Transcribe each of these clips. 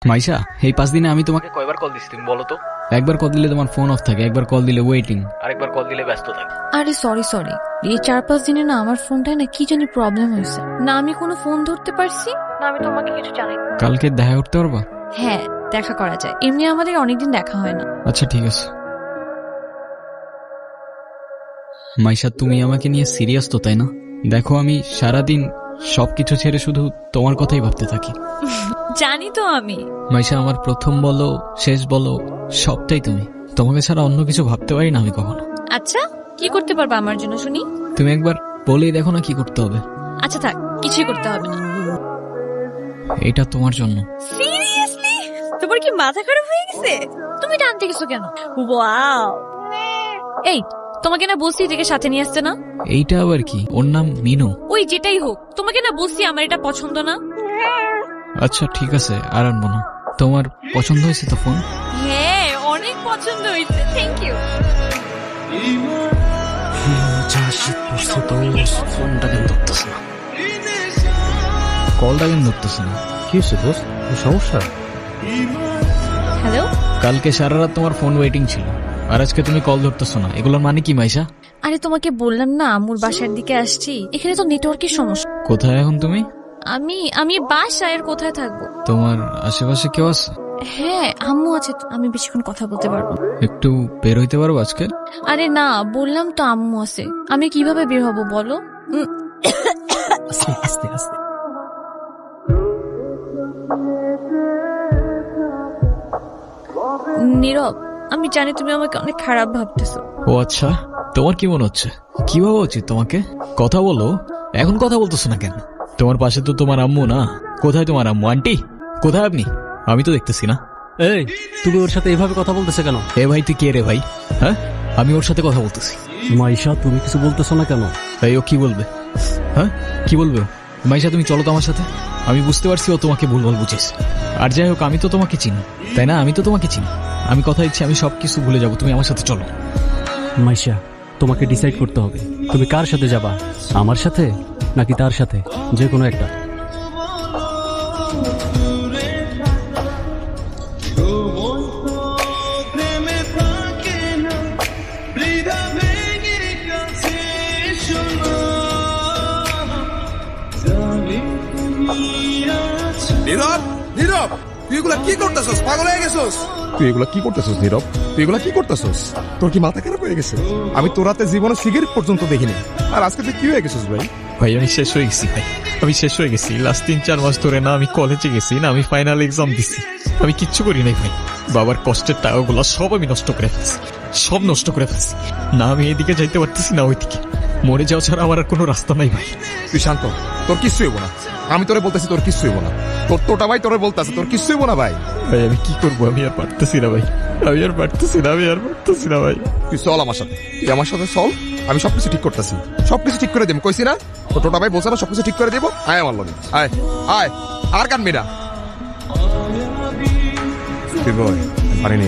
মাইশা, এই 5 দিনে আমি তোমাকে কয়বার কল দিছি তুমি বলো তো? একবার কল দিলে তোমার ফোন অফ থাকে, একবার কল দিলে ওয়েটিং, আরেকবার কল দিলে ব্যস্ত থাকে। আরে সরি এই 4-5 দিনে না আমার ফোনটায় না কি জানি প্রবলেম হয়েছে, না আমি কোনো ফোন ধরতে পারছি না আমি তোমাকে কিছু জানাই। কালকে দেখা করতে পারবা? হ্যাঁ দেখা করা যায়, এমনি আমাদের অনেকদিন দেখা হয় না। আচ্ছা ঠিক আছে। মাইশা, তুমি আমাকে নিয়ে সিরিয়াস তো তাই না? দেখো আমি সারাদিন সবকিছু ছেড়ে শুধু তোমার কথাই ভাবতে থাকি। জানি তো আমি। মাইশা, আমার প্রথম বলো শেষ বলো সবটাই তুমি। তোমাকে ছাড়া অন্য কিছু ভাবতে পারি না আমি কখনো। আচ্ছা কি করতে পারবা আমার জন্য শুনি? তুমি একবার বলেই দেখো না কি করতে হবে। আচ্ছা থাক, কিছুই করতে হবে না। এটা তোমার জন্য। সিরিয়াসলি? তোমার কি মাথা খারাপ হয়ে গেছে? তুমি টানতে গেছো কেন? ওয়াও, এই তোমাকে না বলছি এটাকে সাথে নিয়ে আসতে না। এইটা আবার কি? ওর নাম মিনু। ওই যেটাই হোক, তোমাকে না বলছি আমার এটা পছন্দ না। আচ্ছা ঠিক আছে, আর আনবো না। তোমার পছন্দ হয়েছে তো ফোন? হ্যাঁ অনেক পছন্দ হয়েছে, থ্যাংক ইউ। ফোনটা কেন ধরতেছে না? কলটা কেন ধরতেছে না? কি হচ্ছে দোস্ত, সমস্যা? হ্যালো। কালকে সারা রাত তোমার ফোন ওয়েটিং ছিল, আর আজকে তুমি কল ধরতেছো না, এগুলোর মানে কি মাইশা? আরে তোমাকে বললাম না আম্মুর বাসার দিকে আসছি, এখানে তো নেটওয়ার্কের সমস্যা। কোথায় এখন তুমি? আমি বাসায়, আর কোথায় থাকবো? তোমার আশেপাশে কেউ আছে? হ্যাঁ আম্মু আছে তো, আমি বেশিক্ষণ কথা বলতে পারবো না। একটু বের হইতে পারবো আজকে? আরে না বললাম তো আম্মু আছে, আমি কিভাবে বের হব বলো? আস্তে আস্তে। নীরব, আমি জানি তুমি আমাকে অনেক খারাপ ভাবতেছো। ও আচ্ছা, তোমার কি মনে হচ্ছে? কি ভাবা উচিত তোমাকে? কথা বলো। এখন কথা বলতেছো না কেন? তোমার পাশে তো তোমার আম্মু না। কোথায় তোমার আম্মু? আন্টি কোথায় আপনি? আমি তো দেখতেছি না। এই তুমি ওর সাথে এভাবে কথা বলতেছে কেন? এ ভাই তুই কে রে ভাই? হ্যাঁ, আমি ওর সাথে কথা বলতেছি। মাইশা তুমি কিছু বলতেছো না কেন? তাই ও কি বলবে? হ্যাঁ কি বলবে ও? মাইশা তুমি চলো তো আমার সাথে। আমি বুঝতে পারছি ও তোমাকে ভুলভাল বুঝেছে। আর যাই হোক আমি তো তোমাকে চিনি তাই না? আমি তো তোমাকে চিনি। আমি কথা দিচ্ছি আমি সবকিছু ভুলে যাবো, তুমি আমার সাথে চলো। মাইশা তোমাকে ডিসাইড করতে হবে তুমি কার সাথে যাবা, আমার সাথে নাকি তার সাথে, যে কোনো একটা। নীরব, নীরব, তুই এগুলা কি করতেছস? পাগল হয়ে গেছস? তুই এগুলা কি করতেছস নীরব? তুই এগুলা কি করতেছস? তোর কি মাথা খারাপ হয়ে গেছে? আমি তোর রাতে জীবনে সিগারেট পর্যন্ত দেখিনি, আর আজকে তুই কি হয়ে গেছিস ভাই? ভাই আমি শেষ হয়ে গেছি ভাই, আমি শেষ হয়ে গেছি। লাস্ট 3-4 মাস ধরে না আমি কলেজে গেছি না আমি ফাইনাল এক্সাম দিছি, আমি কিচ্ছু করি নাই ভাই। বাবার কষ্টের টাকাগুলো সব আমি নষ্ট করে ফেলছি, সব নষ্ট করে ফেলছি। না আমি এদিকে যাইতে পারতেছি না ওইদিকে, মরে যাওয়া ছাড়া আমার আর কোনো রাস্তা নাই ভাই। তুই শান্ত, তোর কিচ্ছু হইব না। আমি তোরে বলতেছি তোর কিচ্ছু হইব না। তোর তোটা ভাই তোরে বলতেছে তোর কিচ্ছু হইব না ভাই। ভাই আমি কি করবো? আমি আর পারতেছি না ভাই, আমি আর পারতেছি না, আমি আর পারতেছি না ভাই। তুই চল আমার সাথে, তুই আমার সাথে চল। আমি সবকিছু ঠিক করতেছি, সবকিছু ঠিক করে দেব। কইছি না তোর টোটা ভাই বলছে না সবকিছু ঠিক করে দেবো। আয় আমার লগে, আয় আয়, আর কানবি না। তুই বল পারিনি।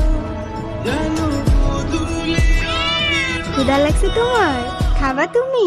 ক্ষুধা লাগছে তোমার? খাবা তুমি?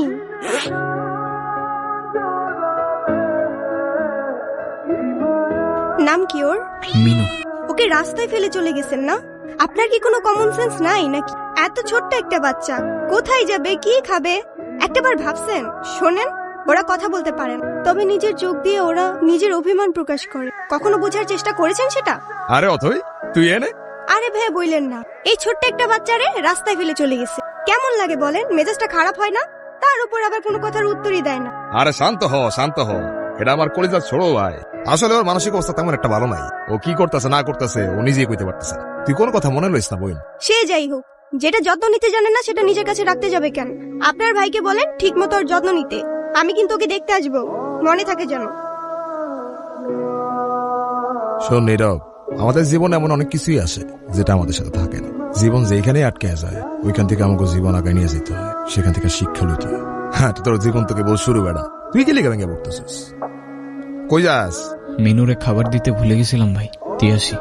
নাম কি ওর? মিনু। ওকে রাস্তায় ফেলে চলে গেছেন না? আপনার কি কোনো কমন সেন্স নাই নাকি? এত ছোট্ট একটা বাচ্চা কোথায় যাবে, কি খাবে একটাবার ভাবছেন? শোনেন, ওরা কথা বলতে পারেন, তবে নিজের চোখ দিয়ে ওরা নিজের অভিমান প্রকাশ করে। কখনো বোঝার চেষ্টা করেছেন সেটা? আরে অথই তুই এনে। আরে ভাই বললেন না, এই ছোট্ট একটা বাচ্চারে রাস্তায় ফেলে চলে গেছে। কেমন লাগে বলেন? মেজাজটা খারাপ হয় না? তার উপর আবার কোনো কথার উত্তরই দেয় না। আরে শান্ত হ, শান্ত হ। এটা আমার কলেজার ছোট ভাই, আসলে ওর মানসিক অবস্থা তেমন একটা ভালো নাই। ও কি করতেছে না করতেছে ও নিজেই কইতে পারতেছে না। তুই কোন কথা মনে লইস না বোন। সে যাই হোক, যেটা যত্ন নিতে জানে না সেটা নিজের কাছে রাখতে যাবে কেন? আপনার ভাইকে বলেন ঠিক মতো ওর যত্ন নিতে। আমি কিন্তু ওকে দেখতে আসবো, মনে থাকে যেন। শোন নীরব, আমাদের জীবনে এমন অনেক কিছুই আসে যেটা আমাদের সাথে থাকে না। জীবন যেখানে আটকে যায় ওইখান থেকে আমাকে জীবন আগায় নিয়ে যেতে হয়, সেখান থেকে শিক্ষা লইতে হয়। হ্যাঁ তোর জীবন তোকে বল শুরু বেড়া, তুই কি লিখে ভেঙে পড়তেছিস? কই যাস? মিনুরে খাবার দিতে ভুলে গেছিলাম ভাই, দিয়ে আসি।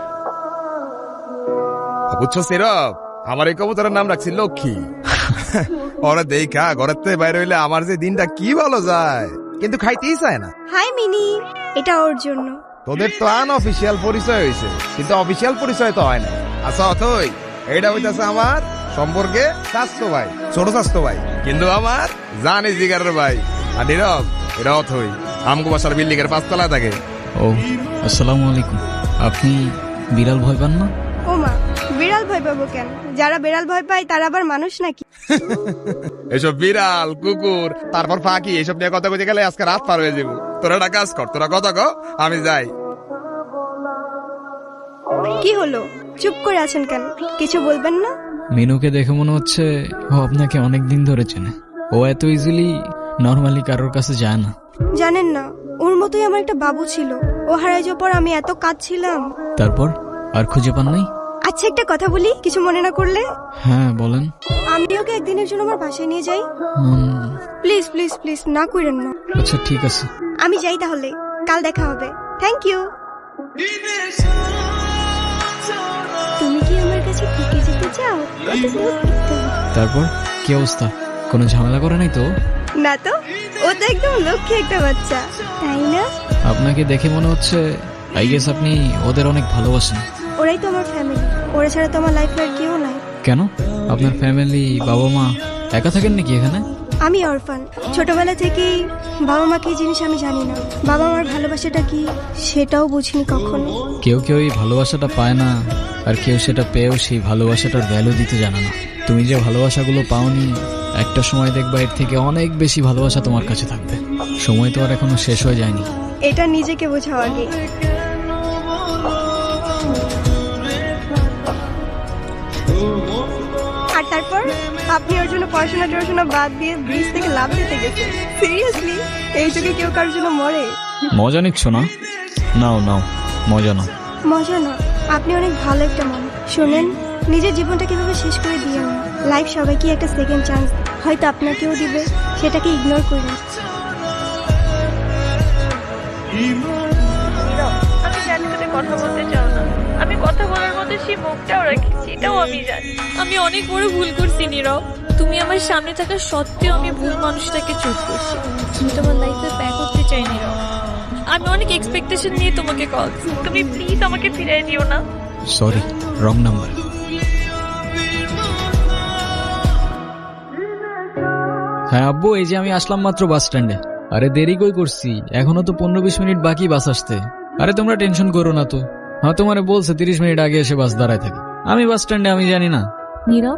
বুঝছো নীরব, আমার এই কবুতরের নাম রাখছি লক্ষ্মী। ওরা দেখা ঘরের থেকে বাইরে হইলে আমার যে দিনটা কি ভালো যায়, কিন্তু খাইতেই চায় না। হাই মিনি, এটা ওর জন্য। তোদের তো আনঅফিসিয়াল পরিচয় হয়েছে, কিন্তু অফিসিয়াল পরিচয় তো হয় না। আচ্ছা অথই, এইটা হইতাছে আমার সম্পর্কে স্বাস্থ্য ভাই, ছোট স্বাস্থ্য ভাই, কিন্তু আমার জানি জিগারের ভাই। আর নীরব, এটা অথই আমগো বাসার বিল্ডিং এর 5 তলায় থাকে। ও আসসালামু আলাইকুম। আপনি বিড়াল ভয় পান না? ও মা, বিড়াল ভয় পাবো কেন? যারা বিড়াল ভয় পায় তারা আবার মানুষ নাকি? এসব বিড়াল কুকুর তারপর ফাঁকি এসব নিয়ে কথা বলতে গেলে আজকে রাত পার হয়ে যাবো। তোরা একটা কাজ কর, তোরা কথা কো, আমি যাই। কি হলো, চুপ করে আছেন কেন? কিছু বলবেন না? মিনুকে দেখে মনে হচ্ছে ও আপনাকে অনেক দিন ধরে চেনে। ও এত ইজিলি নর্মালি কারোর কাছে যায় না। জানেন না, ওর মতোই আমার একটা বাবু ছিল। ও হারাই যাওয়ার পর আমি এত কাঁদছিলাম। তারপর আর খুঁজে পান নাই? আচ্ছা একটা কথা বলি, কিছু মনে না করলে? হ্যাঁ বলেন। আমি ওকে একদিনের জন্য আমার বাসায় নিয়ে যাই। হুম, প্লিজ প্লিজ প্লিজ, না করেন না। আচ্ছা ঠিক আছে। আমি যাই তাহলে, কাল দেখা হবে। Thank you. তুমি কি আমার কাছে থেকে যেতে চাও? কত দূর যেতে হবে? তারপর কি অবস্থা? কোনো ঝামেলা করে নাই তো? না তো, ও তো একদম লক্ষ্মী একটা বাচ্চা, তাই না? আপনাকে দেখে মনে হচ্ছে আই গেস আপনি ওদের অনেক ভালোবাসেন। ওরাই তো আমার ফ্যামিলি, ওরা ছাড়া তো আমার লাইফে আর কেউ নাই। কেন? আপনার ফ্যামিলি বাবা মা একা থাকেন নাকি এখানে? আমি অরফান, ছোটবেলা থেকেই বাবা মাকে এই জিনিস আমি জানি না। বাবা মার ভালোবাসাটা কি সেটাও বুঝিনি কখনো। কেউ কেউ এই ভালোবাসাটা পায় না, আর কেউ সেটা পেয়েও সেই ভালোবাসাটার ভ্যালু দিতে জানে না। তুমি যে ভালোবাসাগুলো পাওনি, একটা সময় দেখবা এর থেকে অনেক বেশি ভালোবাসা তোমার কাছে থাকবে। সময় তো আর এখনো শেষ হয়ে যায়নি। এটা নিজেকে বোঝাও আগে। আর তারপর আপনি ওর জন্য পড়াশোনা বাদ দিয়ে ব্রিজ থেকে লাফ দিতে গেছেন। সিরিয়াসলি, এই যুগে কেউ কারোর জন্য মরে? মজা নিচ্ছ না? নাও নাও, মজা নাও। মজা না, আপনি অনেক ভালো একটা মানুষ। শোনেন, নিজের জীবনটা কিভাবে শেষ করে দিয়েন না। লাইফ সবাইকে একটা সেকেন্ড চান্স, হয়তো আপনাকেও দিবে, সেটাকে ইগনোর করুন। আমি জানি তুমি কথা বলতে চাও না। আমি কথা বলার মতো সেই মুখটাও রাখছি, এটাও আমি জানি। আমি অনেক বড় ভুল করছি নীরব। তুমি আমার সামনে থাকা সত্ত্বেও আমি ভুল মানুষটাকে চুজ করছি। আমি তোমার লাইফে ব্যাক করতে চাই নীরব। আমি অনেক এক্সপেকটেশন নিয়ে তোমাকে কল। তুমি প্লিজ আমাকে ফিরিয়ে দিও না। Sorry, wrong number. হ্যাঁ আব্বু, এই যে আমি আসলাম মাত্র বাস স্ট্যান্ডে। আরে দেরি কই করছি, এখনো তো 15-20 মিনিট বাকি বাস আসতে। আরে তোমরা টেনশন করো না তো। হ্যাঁ তোমারে বলছে 30 মিনিট আগে এসে বাস দাঁড়ায় থাকে। আমি বাস স্ট্যান্ডে, আমি জানি না। নীরব,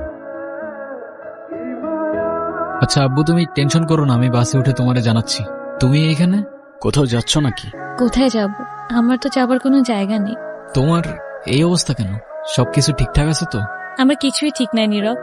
আচ্ছা আব্বু তুমি টেনশন করো না, আমি বাসে উঠে তোমারে জানাচ্ছি। তুমি এখানে কোথাও যাচ্ছ নাকি? কোথায় যাব? আমার তো যাবার কোনো জায়গা নেই। তোমার এই অবস্থা কেন? সবকিছু ঠিকঠাক আছে তো? আমার কিছুই ঠিক নাই নীরব।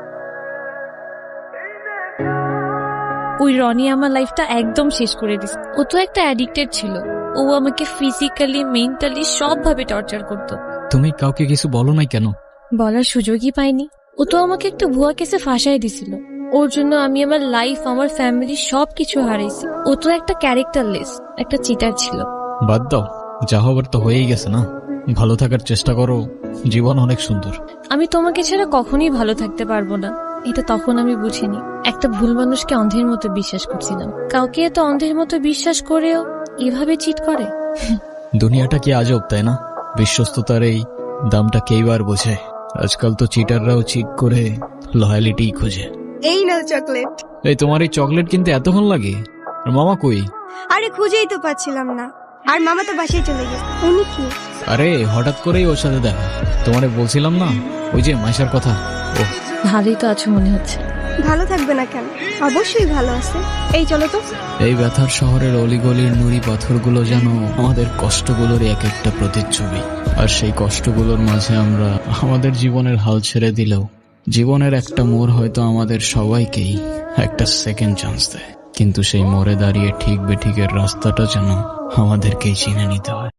ওই রনি আমার লাইফটা একদম শেষ করে দিছে। ও তো একটা অ্যাডিক্টেড ছিল। ও আমাকে ফিজিক্যালি, মেন্টালি সবভাবে টর্চার করতো। তুমি কাউকে কিছু বলো নাই কেন? বলার সুযোগই পাইনি। ও তো আমাকে একটা ভুয়া কেসে ফাঁসাই দিছিল। ওর জন্য আমি আমার লাইফ, আমার ফ্যামিলি সবকিছু হারাইছি। ও তো একটা ক্যারেক্টারলেস, একটা চিটার ছিল। বাদ দাও, যা হবার তো হয়েই গেছে না। ভালো থাকার চেষ্টা করো, জীবন অনেক সুন্দর। আমি তোমাকে ছাড়া কখনোই ভালো থাকতে পারবো না, এটা তখন আমি বুঝিনি। একটা ভুল মানুষকে অন্ধের মতো বিশ্বাস করছিলাম। কাউকে এত অন্ধের মতো বিশ্বাস করেও এভাবে চিট করে। দুনিয়াটা কি আজব, তাই না? বিশ্বস্ততার এই দামটা কেইবার বোঝে। আজকাল তো চিটাররাও চিট করে লয়ালিটি খোঁজে। এই নাও চকলেট। এই তোমার এই চকলেট কিনতে এতক্ষণ লাগে? আর মামা কই? আরে খুঁজেই তো পাচ্ছিলাম না। আর মামা তো বাসায় চলে গেছে। উনি কি? আরে হঠাৎ করেই ওর সাথে দেখা। তোমারে বলছিলাম না ওই যে মাইশার কথা। ও ভালোই তো আছো মনে হচ্ছে। ভালো থাকবে না কেন? অবশ্যই ভালো আছে। এই চলো তো। এই ব্যথার শহরের অলিগলির নুড়ি পাথরগুলো যেন আমাদের কষ্টগুলোর এক একটা প্রতিচ্ছবি। আর সেই কষ্টগুলোর মাঝে আমরা আমাদের জীবনের হাল ছেড়ে দিলেও জীবনের একটা মোড় হয়তো আমাদের সবাইকেই একটা সেকেন্ড চান্স দেয়। কিন্তু সেই মোড়ে দাঁড়িয়ে ঠিক বেঠিকের রাস্তাটা যেন আমাদেরকেই চিনে নিতে হয়।